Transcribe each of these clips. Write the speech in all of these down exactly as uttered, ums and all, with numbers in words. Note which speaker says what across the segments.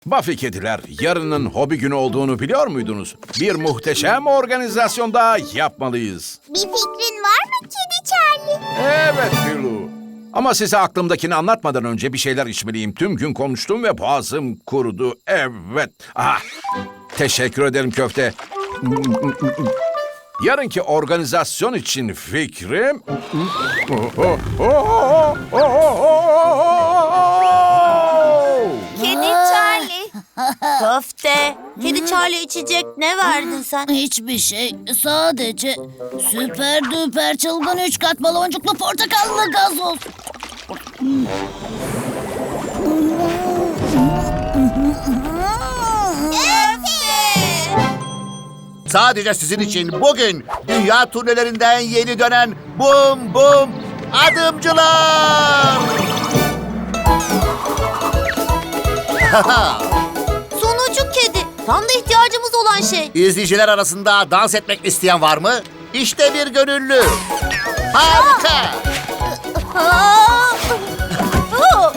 Speaker 1: Buffy kediler, yarının hobi günü olduğunu biliyor muydunuz? Bir muhteşem organizasyon daha yapmalıyız.
Speaker 2: Bir fikrin var mı Kedi Charlie?
Speaker 1: Evet Pilu. Ama size aklımdakini anlatmadan önce bir şeyler içmeliyim. Tüm gün konuştum ve boğazım kurudu. Evet. Ah, teşekkür ederim köfte. Yarınki organizasyon için fikrim...
Speaker 2: Kedi Charlie. Köfte. Kedi Charlie içecek ne verdin sen?
Speaker 3: Hiçbir şey. Sadece süper düper çılgın üç kat baloncuklu portakallı gazoz.
Speaker 4: Sadece sizin için bugün dünya turnelerinden yeni dönen Bum Bum Adımcılar!
Speaker 2: Sonucu kedi. Tam da ihtiyacımız olan şey.
Speaker 4: İzleyiciler arasında dans etmek isteyen var mı? İşte bir gönüllü. Harika!
Speaker 2: Aa! Aa! Aa!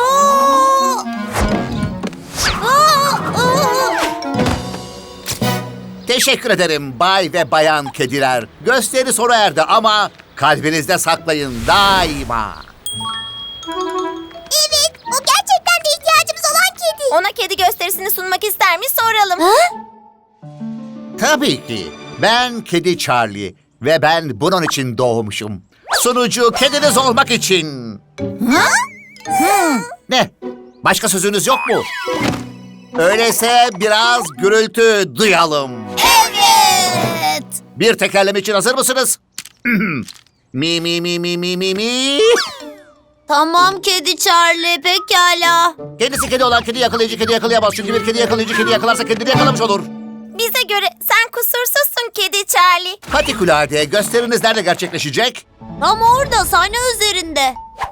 Speaker 2: Aa! Aa!
Speaker 4: Teşekkür ederim bay ve bayan kediler. Gösteri sona erdi ama kalbinizde saklayın daima.
Speaker 2: Evet, o gerçekten de ihtiyacımız olan kedi. Ona kedi gösterisini sunmak ister mi soralım. Ha?
Speaker 4: Tabii ki. Ben Kedi Charlie ve ben bunun için doğmuşum. Sunucu kediniz olmak için.
Speaker 2: Ha?
Speaker 4: Ne? Başka sözünüz yok mu? Öyleyse biraz gürültü duyalım.
Speaker 2: Evet.
Speaker 4: Bir tekerleme için hazır mısınız? mi mi mi mi mi mi mi.
Speaker 2: Tamam Kedi Charlie, pekala.
Speaker 4: Kendisi kedi olan kedi yakalayıcı kedi yakalayamaz. Çünkü bir kedi yakalayıcı kedi yakalarsa kendini yakalamış olur.
Speaker 2: Bize göre sen kusursuzsun Kedi Charlie.
Speaker 4: Patikulade gösteriniz nerede gerçekleşecek?
Speaker 2: Tam orada, sahne üzerinde.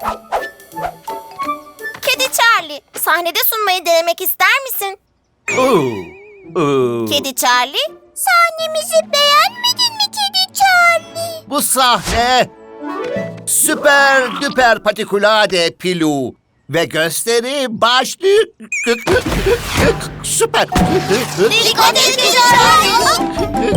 Speaker 2: Kedi Charlie, sahnede sunmayı denemek ister misin?
Speaker 4: Oo, oo.
Speaker 2: Kedi Charlie, sahnemizi beğenmedin mi Kedi Charlie?
Speaker 4: Bu sahne süper düper patikulade Pilu ve gösteri başlıyor. Süper.
Speaker 2: Dikkat et Kedi Charlie.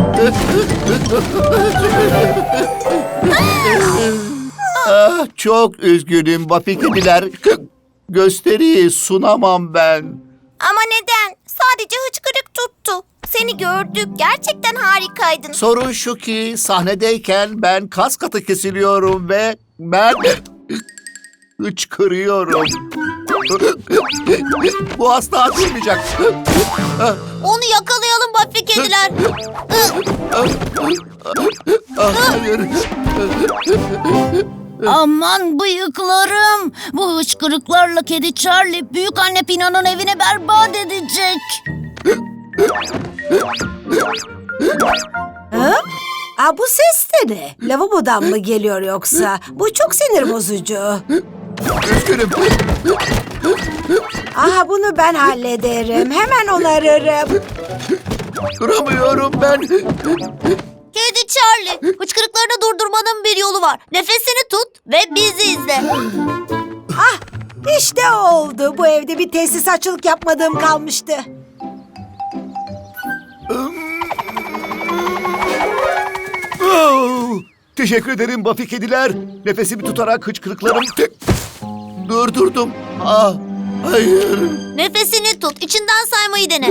Speaker 4: Ah, çok üzgünüm Buffy kediler. Gösteriyi sunamam ben.
Speaker 2: Ama neden? Sadece hıçkırık tuttu. Seni gördük, gerçekten harikaydın.
Speaker 4: Sorun şu ki sahnedeyken ben kas katı kesiliyorum ve ben hıçkırıyorum. Bu asla atılmayacak.
Speaker 2: Onu yakalayalım Buffy kediler.
Speaker 4: Ah, hayır.
Speaker 3: Aman bıyıklarım. Bu hıçkırıklarla kedi Charlie büyük anne Pino'nun evini berbat edecek.
Speaker 5: Ha? Aa, bu ses de ne? Lavabodan mı geliyor yoksa? Bu çok sinir bozucu.
Speaker 4: Üzgünüm.
Speaker 5: Aha, bunu ben hallederim. Hemen onarırım.
Speaker 4: Duramıyorum ben.
Speaker 2: Kedi Charlie, hıçkırıklarını durdurmanın bir yolu var. Nefesini tut ve bizi izle.
Speaker 5: Ah, işte oldu. Bu evde bir tesisatçılık yapmadığım kalmıştı.
Speaker 4: Oh, teşekkür ederim Buffy kediler. Nefesimi tutarak hıçkırıklarım durdurdum. Ah, hayır.
Speaker 2: Nefesini tut, içinden saymayı dene.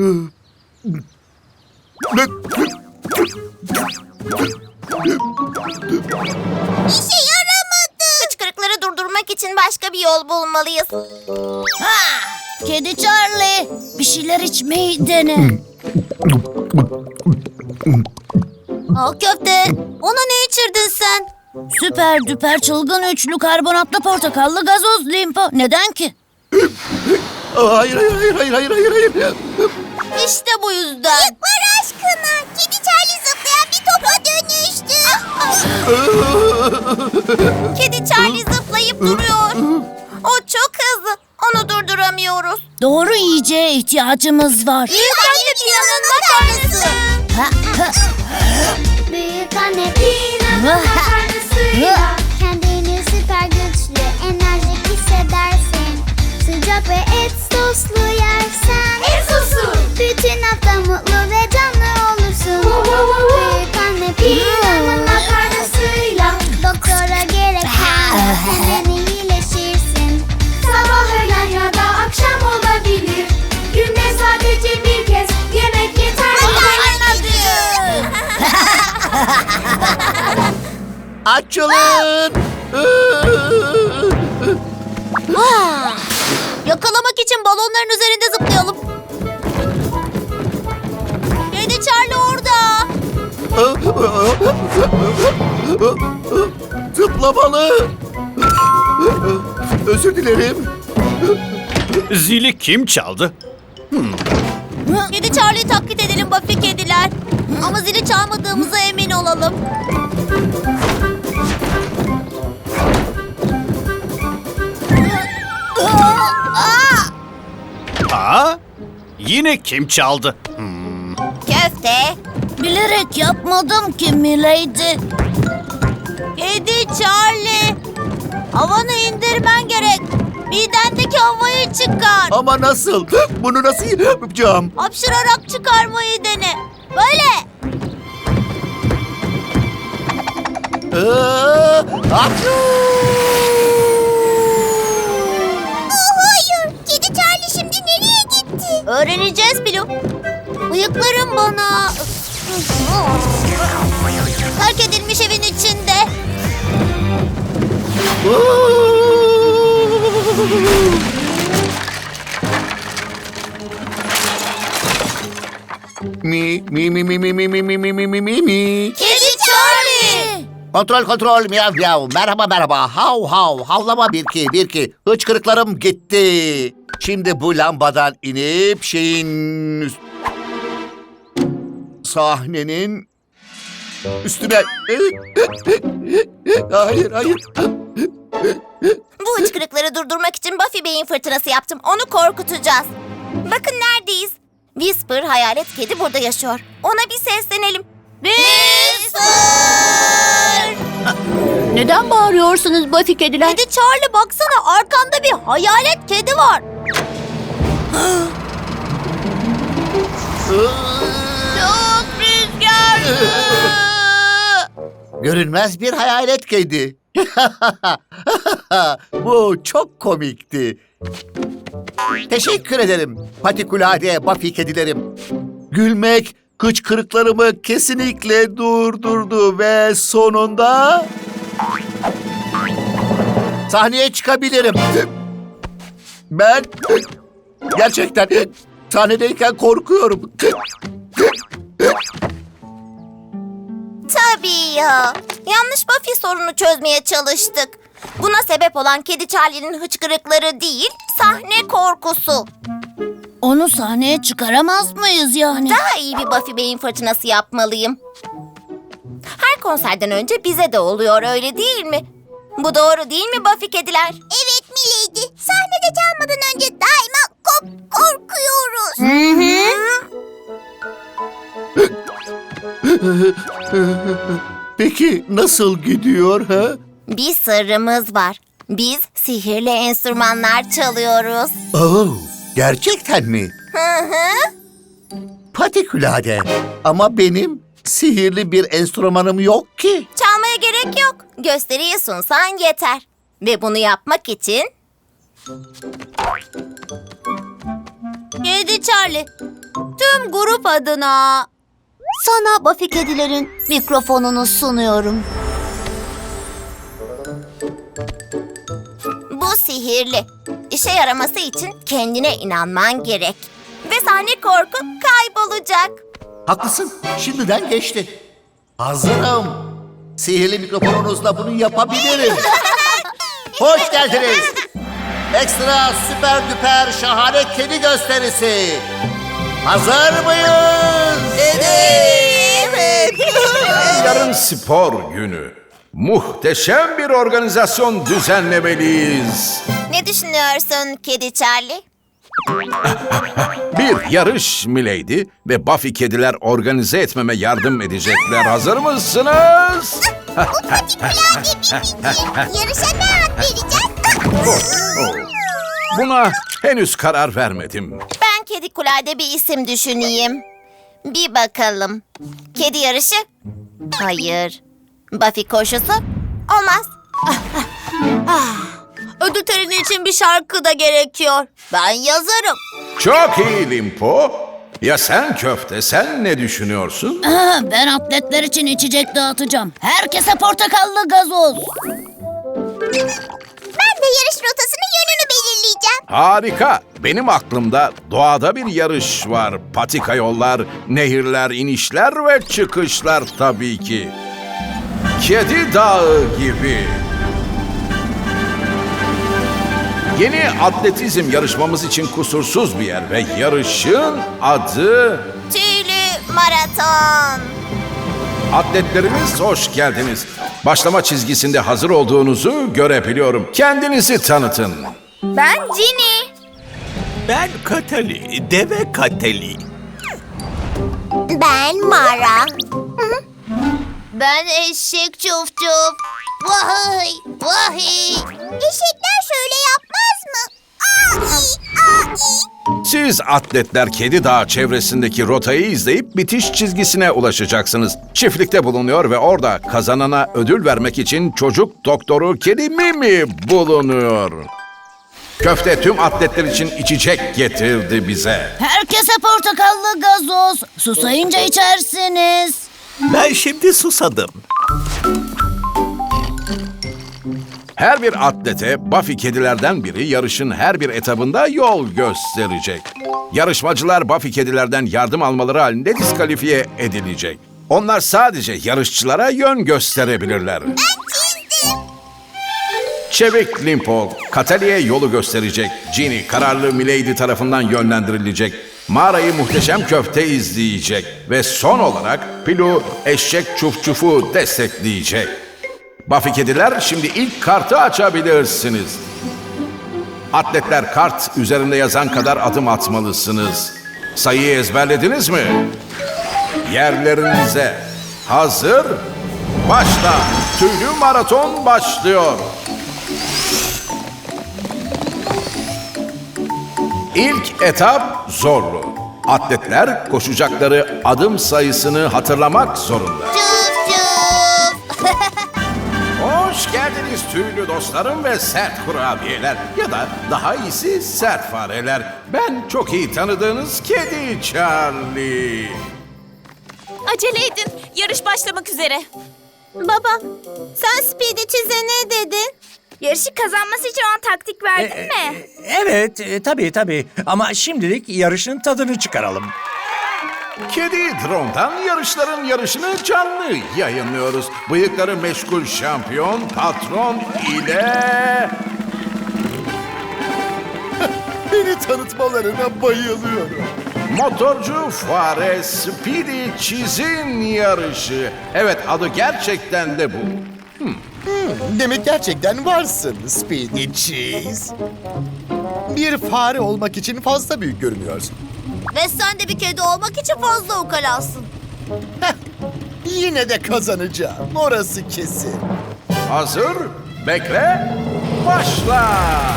Speaker 2: İşe yaramadı. Hıçkırıkları durdurmak için başka bir yol bulmalıyız.
Speaker 3: Ha! Kedi Charlie, bir şeyler içmeyi dene.
Speaker 2: Al köfte, ona ne içirdin sen?
Speaker 3: Süper düper çılgın üçlü karbonatlı portakallı gazoz limpo. Neden ki?
Speaker 4: Ah, hayır, hayır, hayır, hayır, hayır, hayır, hayır.
Speaker 2: İşte bu yüzden. Yıklar aşkına. Kedi Charlie zıplayan bir topa dönüştü. Kedi Charlie zıplayıp duruyor. O çok hızlı. Onu durduramıyoruz.
Speaker 3: Doğru yiyeceğe ihtiyacımız var.
Speaker 2: Büyük anne Pina'nın makarnası.
Speaker 3: Ha, ha.
Speaker 6: Büyük anne Pina'nın makarnasıyla kendini süper güçlü, enerjik hissedersin. olacak ve et soslu yersen. Et sosu. Bütün hafta mutlu ve canlı olursun. Büyük anne Pina'nın makarnasıyla doktora gerek kalmaz, hemen iyileşirsin. Sabah, öğlen ya da akşam olabilir. Günde sadece bir kez yemek yeterli.
Speaker 4: Açılın.
Speaker 2: Yakalamak için balonların üzerinde zıplayalım. Kedi Charlie orada.
Speaker 4: Zıplamalı. Özür dilerim.
Speaker 7: Zili kim çaldı?
Speaker 2: Kedi Charlie'yi taklit edelim Buffy kediler. Ama zili çalmadığımıza emin olalım.
Speaker 7: Aa, yine kim çaldı?
Speaker 2: Köfte.
Speaker 3: Bilerek yapmadım ki Milady.
Speaker 2: Kedi Charlie. Havanı indirmen gerek. Midendeki havayı çıkar.
Speaker 4: Ama nasıl? Bunu nasıl yapacağım?
Speaker 2: Hapşırarak çıkarmayı dene. Böyle.
Speaker 4: Aa, hapşu!
Speaker 2: Hayır. Kedi Charlie şimdi nereye gitti? Öğreneceğiz Bilu. Bıyıklarım bana... Terk edilmiş evin içinde.
Speaker 4: Mi mi mi mi mi mi mi mi mi mi mi mi mi.
Speaker 2: Kedi Charlie.
Speaker 4: Kontrol kontrol miyav miyav. Merhaba merhaba. Hav hav. Havlama bir ki bir ki. Hıçkırıklarım gitti. Şimdi bu lambadan inip şeyin... üst- Sahnenin üstüne... Hayır hayır.
Speaker 2: Bu hıçkırıkları durdurmak için Buffy beyin fırtınası yaptım. Onu korkutacağız. Bakın neredeyiz. Whisper hayalet kedi burada yaşıyor. Ona bir seslenelim. Whisper!
Speaker 3: Neden bağırıyorsunuz Buffy kediler?
Speaker 2: Kedi Charlie baksana arkanda bir hayalet kedi var. Çok rüzgarlı.
Speaker 4: Görünmez bir hayalet kedi. Bu çok komikti. Teşekkür ederim patikulade Buffy kedilerim. Gülmek hıçkırıklarımı kesinlikle durdurdu ve sonunda sahneye çıkabilirim. Ben gerçekten sahnedeyken korkuyorum.
Speaker 2: Tabii ya. Yanlış Buffy sorunu çözmeye çalıştık. Buna sebep olan Kedi Charlie'nin hıçkırıkları değil, sahne korkusu.
Speaker 3: Onu sahneye çıkaramaz mıyız yani?
Speaker 2: Daha iyi bir Buffy beyin fırtınası yapmalıyım. Her konserden önce bize de oluyor, öyle değil mi? Bu doğru değil mi Buffy kediler? Evet Milady. Sahnede çalmadan önce daima kop korkuyoruz. Hı hı.
Speaker 4: Peki nasıl gidiyor ha?
Speaker 2: Bir sırrımız var. Biz sihirli enstrümanlar çalıyoruz.
Speaker 4: Oh, gerçekten mi?
Speaker 2: Hı hı.
Speaker 4: Patikulade. Ama benim sihirli bir enstrümanım yok ki.
Speaker 2: Çalmaya gerek yok. Gösteriyi sunsan yeter. Ve bunu yapmak için... Kedi Charlie, tüm grup adına sana Buffy kedilerin mikrofonunu sunuyorum. Bu sihirli. İşe yaraması için kendine inanman gerek. Ve sahne korku kaybolacak.
Speaker 4: Haklısın. Şimdiden geçti. Hazırım. Sihirli mikrofonunuzla bunu yapabilirim. Hoş geldiniz. Ekstra süper düper şahane kedi gösterisi. Hazır mıyız?
Speaker 1: Evet. Yarın spor günü. Muhteşem bir organizasyon düzenlemeliyiz.
Speaker 2: Ne düşünüyorsun Kedi Charlie?
Speaker 1: Bir yarış Milady ve Buffy kediler organize etmeme yardım edecekler. Hazır mısınız?
Speaker 2: Yarışa ne ad vereceğiz?
Speaker 1: Buna henüz karar vermedim.
Speaker 2: Ben Kedi Kulay'da bir isim düşüneyim. Bir bakalım. Kedi yarışı? Hayır. Buffy koşusu? Olmaz. Ödül töreni için bir şarkı da gerekiyor. Ben yazarım.
Speaker 1: Çok iyi Limpo. Ya sen köfte, sen ne düşünüyorsun?
Speaker 3: Aa, ben atletler için içecek dağıtacağım. Herkese portakallı gazoz.
Speaker 6: Ben de yarış rotasının yönünü belirleyeceğim.
Speaker 1: Harika. Benim aklımda doğada bir yarış var. Patika yollar, nehirler, inişler ve çıkışlar tabii ki. Kedi Dağı gibi. Yeni atletizm yarışmamız için kusursuz bir yer ve yarışın adı...
Speaker 2: Tüylü maraton.
Speaker 1: Atletlerimiz hoş geldiniz. Başlama çizgisinde hazır olduğunuzu görebiliyorum. Kendinizi tanıtın.
Speaker 2: Ben Ginny.
Speaker 8: Ben Katali, deve Katali.
Speaker 2: Ben Mara. Ben eşek çuf çuf. Vay vay.
Speaker 6: Eşekler şöyle yapmaz mı? Ai, ai.
Speaker 1: Siz atletler Kedi Dağı çevresindeki rotayı izleyip bitiş çizgisine ulaşacaksınız. Çiftlikte bulunuyor ve orada kazanana ödül vermek için çocuk doktoru Kedi Mimi bulunuyor. Köfte tüm atletler için içecek getirdi bize.
Speaker 3: Herkese portakallı gazoz. Susayınca içersiniz.
Speaker 8: Ben şimdi susadım.
Speaker 1: Her bir atlete Buffy kedilerden biri yarışın her bir etabında yol gösterecek. Yarışmacılar Buffy kedilerden yardım almaları halinde diskalifiye edilecek. Onlar sadece yarışçılara yön gösterebilirler. Çevik Limpo, Katali'ye yolu gösterecek. Ginny, kararlı Milady tarafından yönlendirilecek. Mağarayı muhteşem köfte izleyecek. Ve son olarak Pilu, eşek çuf çufu destekleyecek. Buffy kediler, şimdi ilk kartı açabilirsiniz. Atletler, kart üzerinde yazan kadar adım atmalısınız. Sayıyı ezberlediniz mi? Yerlerinize. Hazır. Başla. Tüylü maraton başlıyor. İlk etap zorlu. Atletler koşacakları adım sayısını hatırlamak zorunda.
Speaker 2: Çuf çuf.
Speaker 1: Hoş geldiniz tüylü dostlarım ve sert kurabiyeler ya da daha iyisi sert fareler. Ben çok iyi tanıdığınız Kedi Charlie.
Speaker 2: Acele edin. Yarış başlamak üzere. Baba, sen Speedy Cheese'e ne dedin? Yarışı kazanması için ona taktik verdin mi?
Speaker 9: Evet, e, tabii tabii. Ama şimdilik yarışın tadını çıkaralım.
Speaker 1: Kedi Drone'dan yarışların yarışını canlı yayınlıyoruz. Bıyıkları meşgul şampiyon patron ile...
Speaker 10: Beni tanıtmalarına bayılıyorum.
Speaker 1: Motorcu fare Speedy Cheese'in yarışı. Evet, adı gerçekten de bu.
Speaker 10: Demek gerçekten varsın Speedy Cheese. Bir fare olmak için fazla büyük görünüyorsun.
Speaker 2: Ve sen de bir kedi olmak için fazla ukalasın.
Speaker 10: Heh, yine de kazanacağım. Orası kesin.
Speaker 1: Hazır, bekle, başla.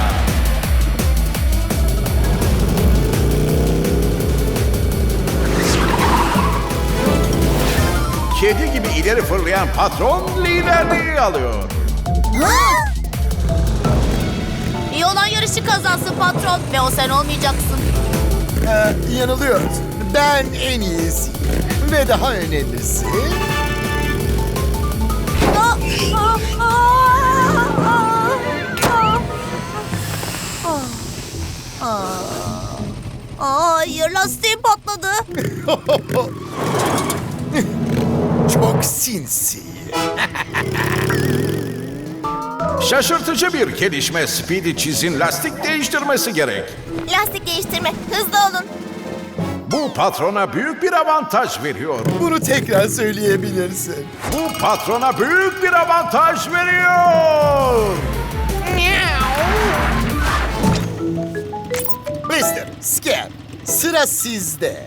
Speaker 1: Kedi gibi ileri fırlayan patron liderliği alıyor.
Speaker 2: İyi olan yarışı kazansın patron ve o sen olmayacaksın.
Speaker 10: Ee, yanılıyorsun. Ben en iyisiyim. Ve daha önemlisi...
Speaker 2: Hayır, lastiğim patladı.
Speaker 10: Çok sinsi.
Speaker 1: Şaşırtıcı bir gelişme. Speedy Cheese'in lastik değiştirmesi gerek.
Speaker 2: Lastik değiştirme, hızlı olun.
Speaker 1: Bu patrona büyük bir avantaj veriyor.
Speaker 10: Bunu tekrar söyleyebilirsin.
Speaker 1: Bu patrona büyük bir avantaj veriyor.
Speaker 10: mister Scare, sıra sizde.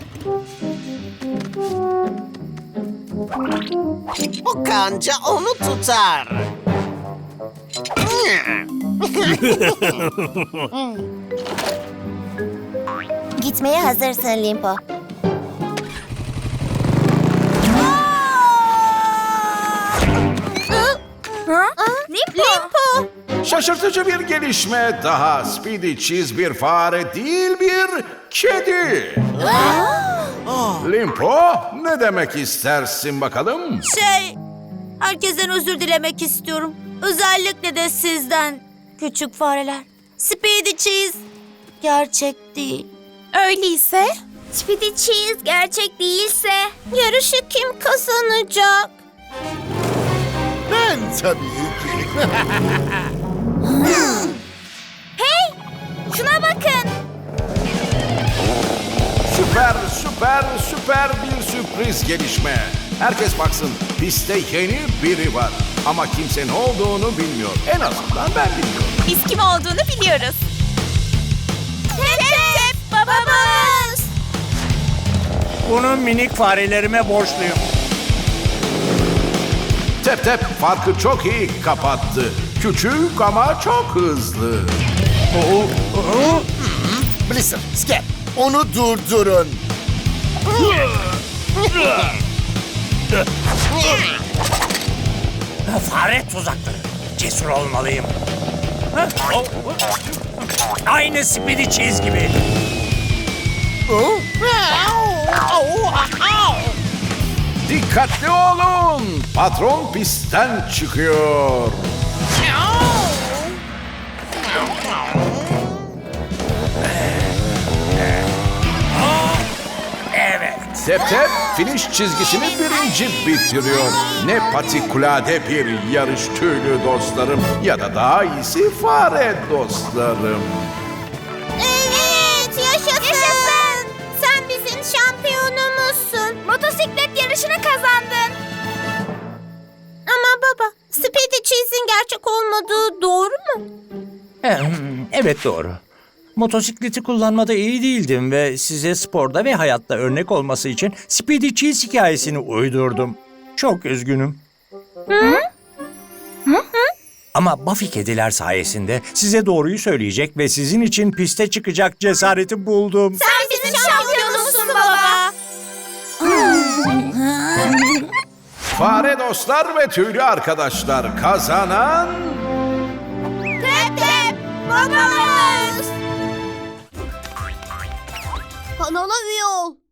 Speaker 11: Bu kanca onu tutar.
Speaker 2: Gitmeye hazırsın Limpo. Limpo!
Speaker 1: Şaşırtıcı bir gelişme daha. Speedy Cheese bir fare değil, bir kedi. Limpo, ne demek istersin bakalım?
Speaker 3: Şey, herkesten özür dilemek istiyorum. Özellikle de sizden, küçük fareler. Speedy Cheese gerçek değil.
Speaker 2: Öyleyse? Speedy Cheese gerçek değilse yarışı kim kazanacak?
Speaker 10: Ben tabii ki.
Speaker 2: Hey! Şuna bakın!
Speaker 1: Süper, süper, süper bir sürpriz gelişme. Herkes baksın, pistte yeni biri var. Ama kimse ne olduğunu bilmiyor. En azından ben bilmiyorum.
Speaker 2: Biz kim olduğunu biliyoruz. Tep tep babamız!
Speaker 9: Bunu minik farelerime borçluyum.
Speaker 1: Tep Tep farkı çok iyi kapattı. Küçük ama çok hızlı.
Speaker 10: Blizzard, Skep, onu durdurun.
Speaker 9: Fare tuzakları. Cesur olmalıyım. Ha? O- Aynı Speedy Cheese gibi.
Speaker 1: Dikkatli olun. Patron pistten çıkıyor.
Speaker 9: Evet.
Speaker 1: Tep Tep finish çizgisini birinci bitiriyor. Ne patikulade bir yarış tüylü dostlarım ya da daha iyisi fare dostlarım.
Speaker 2: Evet, yaşasın. Yaşasın. Sen bizim şampiyonumuzsun. Motosiklet yarışını kazandın. Ama baba, Speedy Cheese'in gerçek olmadığı doğru mu?
Speaker 9: Hmm, Evet doğru. Motosikleti kullanmada iyi değildim ve size sporda ve hayatta örnek olması için Speedy Cheese hikayesini uydurdum. Çok üzgünüm. Ama Buffy kediler sayesinde size doğruyu söyleyecek ve sizin için piste çıkacak cesareti buldum.
Speaker 2: Sen bizim şampiyonumuzsun baba.
Speaker 1: Fare dostlar ve tüylü arkadaşlar kazanan...
Speaker 2: Tep tep babamız. Kanala üye ol.